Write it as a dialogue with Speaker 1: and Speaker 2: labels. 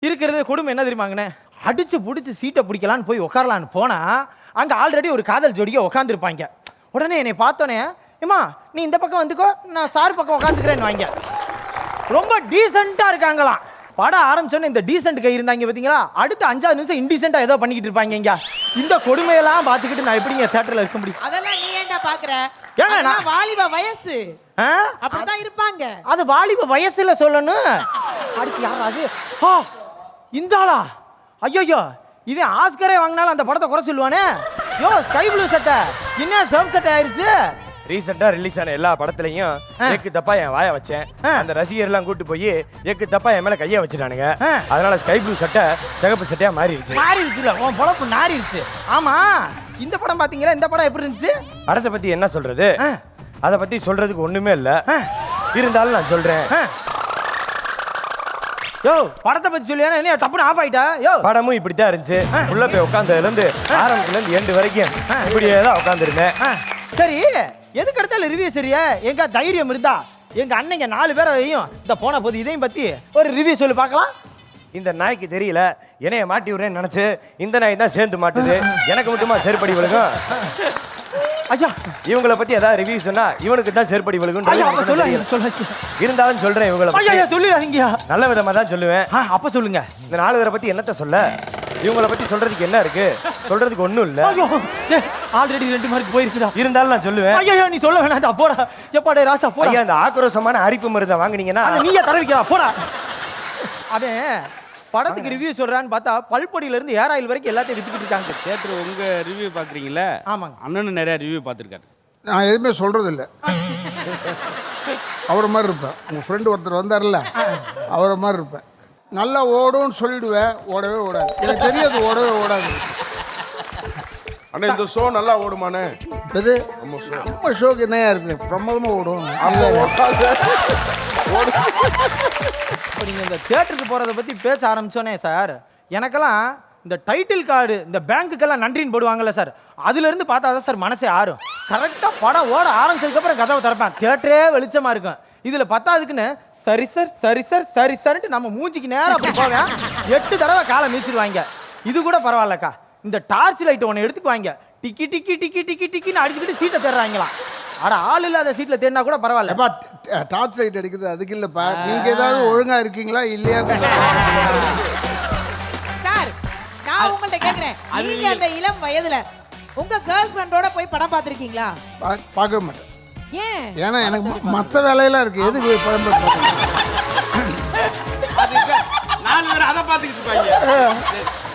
Speaker 1: இருக்கிறது கொடுமை என்ன தெரியுமாங்கண்ணே, அடிச்சு பிடிச்சி சீட்டை பிடிக்கலான்னு போய் உட்காரலான்னு போனா அங்க ஆல்ரெடி ஒரு காதல் ஜோடிக்க உட்காந்துருப்பாங்க. உடனே என்னை பார்த்தோன்னே, ஏமா நீ இந்த பக்கம் வந்துக்கோ, நான் சார் பக்கம் உட்காந்துக்கிறேன்னு வாங்க. ரொம்ப டீசெண்டா இருக்காங்களாம். படம் ஆரம்பிச்சோன்னே இந்த டீசென்ட் கை இருந்தாங்க பார்த்தீங்களா, அடுத்த 5 நிமிஷம் இன்டீசெண்டா ஏதோ பண்ணிக்கிட்டு இருப்பாங்க. இங்க இந்த கொடுமையெல்லாம் பார்த்துக்கிட்டு நான் எப்படிங்க தியேட்டர்ல இருக்க முடியும்?
Speaker 2: அதெல்லாம் நீ ஏன்டா பாக்குற?
Speaker 1: ஏங்க
Speaker 2: நான் வாலிப வயசு அப்படிதான் இருப்பாங்க.
Speaker 1: அது வாலிப வயசுல சொல்லணும். அடுத்து யாராவது இந்த ஆளா? ஐயோ, இவன் ஆஸ்கரே வாங்கினாலும் அந்த படத்தை குறை சொல்லுவானே. யோ ஸ்கை ப்ளூ சட்டை என்ன சேம் சட்டை ஆயிருச்சு.
Speaker 3: ரீசெண்டா ரிலீஸ் ஆன எல்லா படத்துலயும் எக்கு தப்பா என் வாய வச்சேன். அந்த ரசிகர் எல்லாம் கூட்டு போய் எக்கு தப்பா என் மேல கைய வச்சுட்டானுங்க. அதனால ஸ்கை ப்ளூ சட்டை சிகப்பு சட்டையா மாறிடுச்சுல. உன் பொழப்பு நாறிடுச்சு. ஆமா, இந்த படம் பாத்தீங்களா? இந்த படம் எப்படி இருந்துச்சு? படத்தை பத்தி என்ன சொல்றது? அதை பத்தி சொல்றதுக்கு ஒண்ணுமே இல்ல. இருந்தாலும் நான் சொல்றேன்.
Speaker 1: யோ படத்தை பத்தி சொல்லியா? என்ன டப்புன்னு ஆஃப் ஆயிட்டா? யோ
Speaker 3: படமும் இப்படித்தான் இருந்துச்சு. உள்ள போய் உட்கார்ந்ததுல இருந்து ஆரம்பத்துல இருந்து எண்டு வரைக்கும் இப்படியே தான் உட்கார்ந்து இருந்தேன்.
Speaker 1: சரி, எதுக்கு எடுத்தாலும் ரிவ்யூ சரியா? எங்க தைரியம் இருந்தா எங்க அண்ணங்க 4 பேரையும் இந்த போன போது இதையும் பத்தி ஒரு ரிவ்யூ சொல்லி பார்க்கலாம்.
Speaker 3: இந்த நாய்க்கு தெரியல என்னைய மாட்டி விடுறேன்னு நினைச்சு இந்த நாய் தான் சேர்ந்து மாட்டுது. எனக்கு மட்டுமா செருப்படி விழுகும்?
Speaker 1: ஐயா
Speaker 3: இவங்களை பத்தி ஏதாவது ரிவ்யூ சொன்னா இவனுக்கு தான் செருப்படி விழுகும். இருந்தாலும் சொல்றேன், இவங்களை
Speaker 1: சொல்லுங்க.
Speaker 3: நல்ல விதமா தான் சொல்லுவேன்.
Speaker 1: அப்ப சொல்லுங்க.
Speaker 3: இந்த 4 பேரை பத்தி என்னத்த சொல்ல? இவங்களை பத்தி சொல்றதுக்கு என்ன இருக்கு? சொல்றதுக்கு ஒண்ணும் இல்ல.
Speaker 1: ஆல்ரெடி 2 மார்க் போயிருக்குடா.
Speaker 3: இருந்தாலும் நான் சொல்லுவேன்.
Speaker 1: ஐயோ நீ சொல்ல வேணாம். போடா எப்பாடே ராசா போடா.
Speaker 3: ஐயா இந்த ஆக்ரோஷமான அரிப்பு மருந்தை வாங்குனீங்கன்னா
Speaker 1: நீயே தரவிக்கலாம். போடா. அவன் படத்துக்கு ரிவ்யூ சொல்றான்னு பார்த்தா பல்பொடியில இருந்து ஏர் ஆயில் வரைக்கும் எல்லாத்தையும் வித்துக்கிட்டு இருக்காங்க.
Speaker 4: தியேட்டர் உங்க ரிவ்யூ பாக்குறீங்களா?
Speaker 1: ஆமாங்க.
Speaker 4: அண்ணனும் நிறைய ரிவ்யூ பார்த்துருக்காரு.
Speaker 5: நான் எதுவுமே சொல்றது இல்லை. அவரை மாதிரி இருப்பேன். உங்கள் ஃப்ரெண்டு ஒருத்தர் வந்தார்ல, அவரை மாதிரி இருப்பேன். நல்லா ஓடும்னு சொல்லிடுவேன், ஓடவே ஓடாது. எனக்கு தெரியாது ஓடவே ஓடாது.
Speaker 6: அண்ணா இந்த ஷோ நல்லா ஓடுமானே?
Speaker 5: இது நம்ம ஷோக்கு என்னையா இருக்கு? பிரமாதமாக ஓடும்.
Speaker 1: இப்போ நீங்கள் இந்த தியேட்டருக்கு போகிறத பற்றி பேச ஆரம்பிச்சோன்னே சார், எனக்கெல்லாம் இந்த டைட்டில் கார்டு இந்த பேங்க்குக்கெல்லாம் நன்றின்னு போடுவாங்கல்ல சார், அதுலேருந்து பார்த்தா தான் சார் மனசே ஆறும். கரெக்டாக படம் ஓட ஆரம்பிச்சதுக்கப்புறம் கதவை திறப்பேன், தியேட்டரே வெளிச்சமாக இருக்கும். இதில் பத்தாதுக்குன்னு சரி சார் சரி சார் சரி சார்ன்ட்டு நம்ம மூஞ்சிக்கு நேரம் அப்படி போவேன். 8 தடவை காலை மீச்சிடுவாங்க. இது கூட பரவாயில்லக்கா, இந்த டார்ச் லைட் ஒன்று எடுத்துக்குவாங்க, டிக்கி டிக்கி டிக்கி டிக்கி டிக்கின்னு அடிச்சுக்கிட்டு சீட்டை தேடுறாங்களாம். ஆனா ஆள் இல்லாத சீட்ல தேடினா கூட பரவாயில்ல.
Speaker 5: டார்ச் லைட் அடிக்கிறது அதுக்கு இல்லப்பா. நீங்க ஏதாவது ஒழுங்கா இருக்கீங்களா இல்லையா?
Speaker 2: சார் நான் உங்கள்ட்ட கேக்குறேன், நீங்க அந்த இளம் வயதுல உங்க கேர்ள் ஃப்ரெண்டோட போய் படம் பார்த்திருக்கீங்களா?
Speaker 5: பார்க்க மாட்டேன்.
Speaker 2: ஏன்?
Speaker 5: ஏன்னா எனக்கு மற்ற வேலையெல்லாம் இருக்கு. எதுக்கு படம் பார்க்க?
Speaker 4: 4 பேர் அதை பார்த்துக்கிட்டு இருப்பாங்க.